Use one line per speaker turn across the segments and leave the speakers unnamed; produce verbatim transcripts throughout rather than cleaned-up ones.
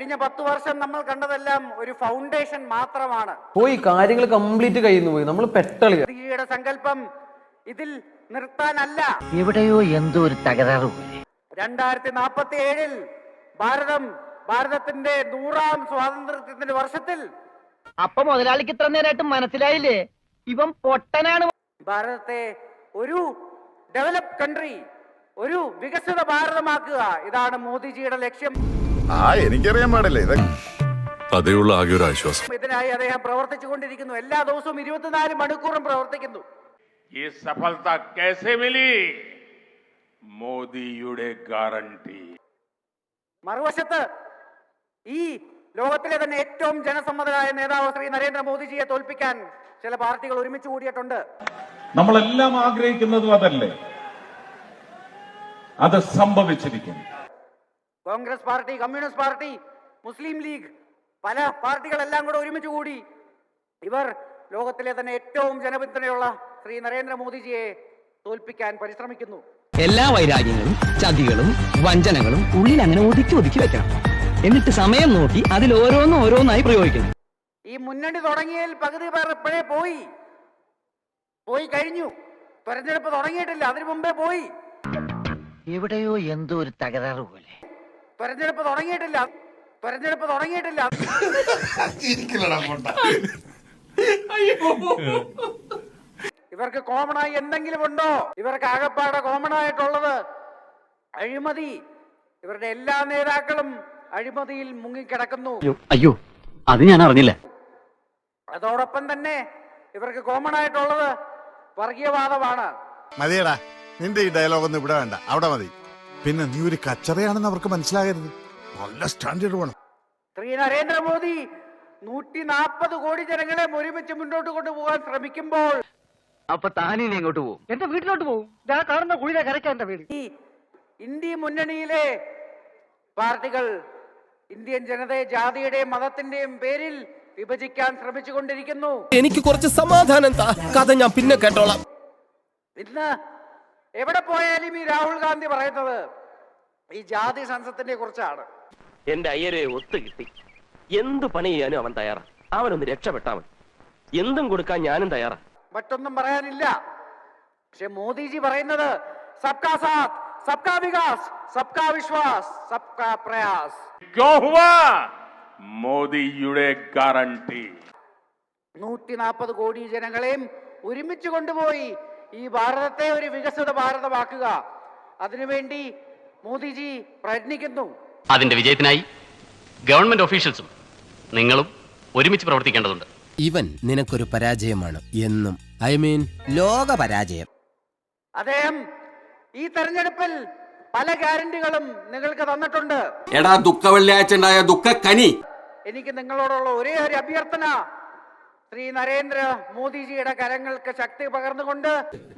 കഴിഞ്ഞ പത്ത് വർഷം നമ്മൾ കണ്ടതെല്ലാം ഒരു ഫൗണ്ടേഷൻ മാത്രമാണ്.
പോയി കാര്യങ്ങൾ കംപ്ലീറ്റ് കഴിയുന്നു പോയി നമ്മൾ പെട്ടളി.
മോദിജിയുടെ സങ്കല്പം ഇതിൽ നിർത്താനല്ല.
എവിടെയോ എന്തോ ഒരു തകരാറ്.
രണ്ടായിരത്തി നാപ്പത്തി ഏഴിൽ ഭാരതം ഭാരതത്തിന്റെ നൂറാം സ്വാതന്ത്ര്യത്തിന്റെ വർഷത്തിൽ
അപ്പൊ മുതലാളിക്ക് ഇത്ര നേരമായിട്ട് മനസ്സിലായില്ലേ ഇവൻ പൊട്ടനാണ്.
ഭാരതത്തെ ഒരു ഡെവലപ്പ് കൺട്രി, ഒരു വികസിത ഭാരതമാക്കുക, ഇതാണ് മോദിജിയുടെ ലക്ഷ്യം.
ആ എനിക്കറിയാൻ പാടില്ലേ ഇത്.
അതേയുള്ള ആകെ ഒരു ആശ്വാസം.
ഇതിനായി അദ്ദേഹം പ്രവർത്തിച്ചുകൊണ്ടിരിക്കുന്നു. എല്ലാ ദിവസവും ഇരുപത്തിനാല് മണിക്കൂറും പ്രവർത്തിക്കുന്നു.
ഈ സഫലത कैसे मिली? മോദിയുടെ ഗ്യാരണ്ടി.
മറുവശത്ത് ഈ ലോകത്തിലെ തന്നെ ഏറ്റവും ജനസമ്മതനായ നേതാവ് ശ്രീ നരേന്ദ്രമോദിജിയെ തോൽപ്പിക്കാൻ ചില പാർട്ടികൾ ഒരുമിച്ച് കൂടിയിട്ടുണ്ട്.
നമ്മളെല്ലാം ആഗ്രഹിക്കുന്നതും അതല്ലേ, അത് സംഭവിച്ചിരിക്കുന്നു.
Congress party, communist party, Muslim League, പല പാർട്ടികളെല്ലാം കൂടെ ഒരുമിച്ച് കൂടി ഇവർ ലോകത്തിലെ തന്നെ ഏറ്റവും ജനപിന്തുണയുള്ള ശ്രീ നരേന്ദ്രമോദിജിയെ തോൽപ്പിക്കാൻ പരിശ്രമിക്കുന്നു.
എല്ലാ വൈരാഗ്യങ്ങളും ചതികളും വഞ്ചനകളും ഉള്ളിൽ അങ്ങനെ ഒതുക്കി ഒതുക്കി വെക്കണം. എന്നിട്ട് സമയം നോക്കി അതിൽ ഓരോന്നും ഓരോന്നായി പ്രയോഗിക്കണം.
ഈ മുന്നണി തുടങ്ങിയതിൽ പകുതി പേർ എപ്പോഴേ പോയി പോയി കഴിഞ്ഞു. തെരഞ്ഞെടുപ്പ് തുടങ്ങിയിട്ടില്ല, അതിനു മുമ്പേ പോയി.
എവിടെയോ എന്തോ ഒരു തകരാറ് പോലെ.
തെരഞ്ഞെടുപ്പ് തുടങ്ങിയിട്ടില്ല തെരഞ്ഞെടുപ്പ് തുടങ്ങിയിട്ടില്ല ഇവർക്ക് കോമണായി എന്തെങ്കിലും ഉണ്ടോ? ഇവർക്ക് ആകപ്പാടെ കോമൺ ആയിട്ടുള്ളത് അഴിമതി. ഇവരുടെ എല്ലാ നേതാക്കളും അഴിമതിയിൽ മുങ്ങിക്കിടക്കുന്നു.
അയ്യോ, അത് ഞാൻ അറിഞ്ഞില്ല.
അതോടൊപ്പം തന്നെ ഇവർക്ക് കോമൺ ആയിട്ടുള്ളത് വർഗീയവാദമാണ്.
മതിയടാ, നിന്റെ ഈ ഡയലോഗ് ഒന്നും ഇവിടെ വേണ്ട, അവിടെ മതി. പിന്നെ നീ ഒരു കച്ചറയാണെന്ന് അവർക്ക് മനസ്സിലാകരുത്. നല്ല സ്റ്റാൻഡേർഡ് വേണം.
ശ്രീ നരേന്ദ്രമോദി നൂറ്റി നാൽപ്പത് കോടി ജനങ്ങളെ ഒരുമിച്ച് മുന്നോട്ട് കൊണ്ടുപോകാൻ ശ്രമിക്കുമ്പോൾ
അപ്പൊ താനിനി എങ്ങോട്ട് പോകും?
എന്റെ വീട്ടിലോട്ട് പോകും. ഞാൻ കാണുന്ന കുഴിയിലെ കരയ്ക്കാൻ എന്റെ വീട്.
ഈ ഇന്ത്യ മുന്നണിയിലെ പാർട്ടികൾ ഇന്ത്യൻ ജനതയെ ജാതിയുടെയും മതത്തിന്റെയും പേരിൽ വിഭജിക്കാൻ ശ്രമിച്ചുകൊണ്ടിരിക്കുന്നു.
എനിക്ക് കുറച്ച് സമാധാനം താ, കഥ ഞാൻ പിന്നെ കേട്ടോളാം.
ഇന്ന് എവിടെ പോയാലും ഈ രാഹുൽ ഗാന്ധി പറയുന്നത് ഈ ജാതി സംസത്തിനെ കുറിച്ചാണ്.
എന്റെ അയ്യരെ ഒത്തു കിട്ടി. എന്ത് പണി ചെയ്യാനും അവൻ തയ്യാറാ. അവനൊന്ന് രക്ഷപ്പെട്ടാ മതി. എന്തും കൊടുക്കാൻ ഞാനും തയ്യാറാ.
മറ്റൊന്നും പറയാനില്ല. പക്ഷെ മോദിജി പറയുന്നത് സബ്കാ സാത്ത്, സബ്കാ വികാസ്, സബ്കാ വിശ്വാസ്, സബ്കാ പ്രയാസ്.
ക്യോ ഹുവാ? മോദിയുടെ ഗ്യാരണ്ടി.
നൂറ്റി നാൽപ്പത് കോടി ജനങ്ങളെയും ഒരുമിച്ച് കൊണ്ടുപോയി ഈ ഭാരതത്തെ ഒരു വികസിത ഭാരതമാക്കുക, അതിനുവേണ്ടി മോദിജി പ്രയത്നിക്കുന്നു.
അതിന്റെ വിജയത്തിനായി ഗവൺമെന്റ് ഓഫീഷ്യൽസും നിങ്ങളും ഒരുമിച്ച് പ്രവർത്തിക്കേണ്ടതുണ്ട്.
ഇവൻ നിനക്കൊരു പരാജയമാണ് എന്നും. ഐ മീൻ ലോക പരാജയം.
അദ്ദേഹം ഈ തെരഞ്ഞെടുപ്പിൽ പല ഗ്യാരണ്ടികളും നിങ്ങൾക്ക് തന്നിട്ടുണ്ട്.
എടാ ദുഃഖ വെള്ളിയാഴ്ച ഉണ്ടായ ദുഃഖ കനി.
എനിക്ക് നിങ്ങളോടുള്ള ഒരേ ഒരു അഭ്യർത്ഥന, ശ്രീ നരേന്ദ്ര മോദിജിയുടെ കരങ്ങൾക്ക് ശക്തി പകർന്നുകൊണ്ട്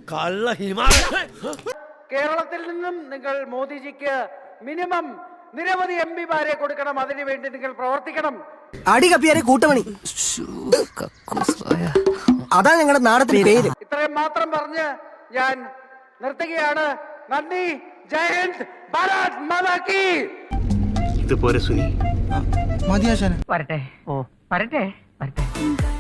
കേരളത്തിൽ നിന്നും നിങ്ങൾ മോദിജിക്ക് മിനിമം നിരവധി എം പിമാരെ കൊടുക്കണം. അതിനുവേണ്ടി നിങ്ങൾ പ്രവർത്തിക്കണം.
അടികപ്പിയാരെ കൂട്ടമണി, അതാ ഞങ്ങളുടെ നാടത്തിന്റെ പേര്.
ഇത്രയും മാത്രം പറഞ്ഞ് ഞാൻ നിർത്തുകയാണ്. നന്ദി. ജയ് ഹിന്ദ്. ഭാരത് മാതാ കി.
ഇതുപോലെ സുനി
വരട്ടെ. ഓ വരട്ടെ വരട്ടെ.